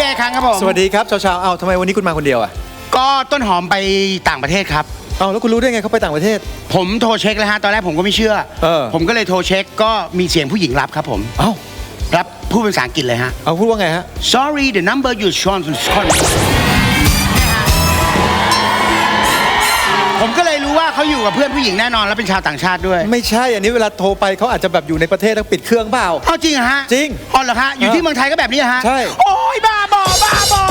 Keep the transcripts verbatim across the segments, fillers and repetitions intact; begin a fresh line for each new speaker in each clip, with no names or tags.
เอครั้งครับผม
สวัสดีครับชาวชาวเอาทำไมวันนี้คุณมาคนเดียวอ่ะ
ก็ต้นหอมไปต่างประเทศครับ
เอาแล้วคุณรู้ได้ไงเขาไปต่างประเทศ
ผมโทรเช็คแล้วฮะตอนแรกผมก็ไม่เชื่อ
เออ
ผมก็เลยโทรเช็คก็มีเสียงผู้หญิงรับครับผม
เอ้า
รับพูดเป็นภาษาอังกฤษเลยฮะ
เอาพูดว่าไงฮะ
sorry the number you shown on ผมก็เลยรู้ว่าเขาอยู่กับเพื่อนผู้หญิงแน่นอนแล้วเป็นชาวต่างชาติด้วย
ไม่ใช่อันนี้เวลาโทรไปเขาอาจจะแบบอยู่ในประเทศแล้วปิดเครื่องเปล่า
เอาจริงเหรอฮะ
จริง
อ๋อเหรอฮะอยู่ที่เมืองไทยก็แบบนี้ฮะ
ใช่
โอ้ยบ้าบอบ้าบอ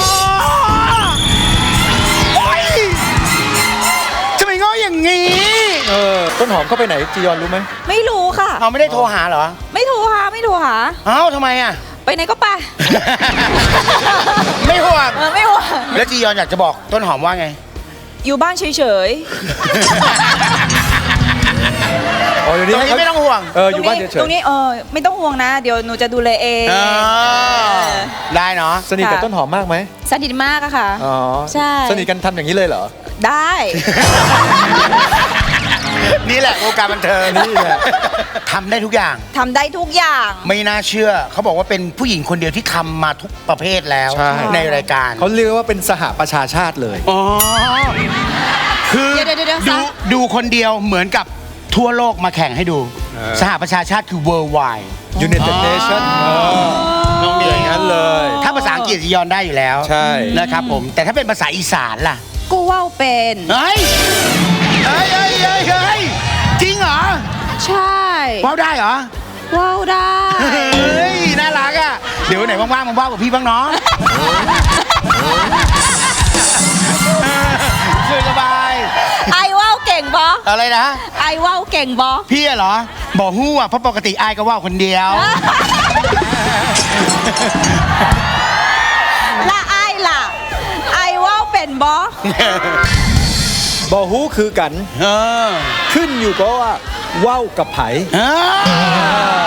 โอ้ยทำไมง้ออย่างงี้
เออต้นหอมเข้าไปไหนจียอนรู้ไหม
ไม่รู้ค่ะ
เขาไม่ได้โทรหาเหรอ
ไม่โทรหาไม่โทรหา
เอ้าทำไมอ่ะ
ไปไหนก็ไป
ไม่ห่วง
เออไม่ห่วง
แล้วจียอนอยากจะบอกต้นหอมว่าไง
อยู่บ้านเฉย
อ๋อเดี๋ยวนี้
ตรงนี้ไม่ต้องห่วง
เอออยู่บ้านเฉย
ตรงนี้เออไม่ต้องห่วงนะเดี๋ยวหนูจะดูแลเอง
ได้เนาะ
สนิทกับต้นหอมมากไหม
สนิทมากอะค่ะ
อ๋อ
ใช่
สนิทกันทำอย่างนี้เลยเหรอ
ได้
นี่แหละวงการบันเทิงนี่แหละทำได้ทุกอย่าง
ทำได้ทุกอย่าง
ไม่น่าเชื่อเขาบอกว่าเป็นผู้หญิงคนเดียวที่ทำมาทุกประเภทแล้วในรายการ
เขาเรียกว่าเป็นสหประชาชาติเลย
อ๋อคือดูดูคนเดียวเหมือนกับทั่วโลกมาแข่งให้ดูสหประชาชาติคือ worldwide
United Nations
น้องเดียว
งั้นเลย
ถ้าภาษาอังกฤษยอนได้อยู่แล้ว
ใช่
นะครับผมแต่ถ้าเป็นภาษาอีสานล่ะ
กูว่าวเป็น
เฮ้ยเฮ้ยเฮ้ยเฮ้ยเฮ้ยจริงเหรอ
ใช่
ว่าวได้เหรอ
ว่าวได้
เฮ้ยน่ารักอ่ะเดี๋ยวไหนว่างๆมาว่าวกับพี่บ้างเนาะสบาย
ไอว่าวเก่งบอ
อะไรนะ
ไอว่าวเก่งบอ
พี่เหรอบอกฮู้อ่ะเพราะปกติไอก็ว่าวคนเดียว
ละไอล่ะไอว่าวเป็นบ
อบอฮู้คือกันขึ้นอยู่ก็ว่าว่าวกับไผ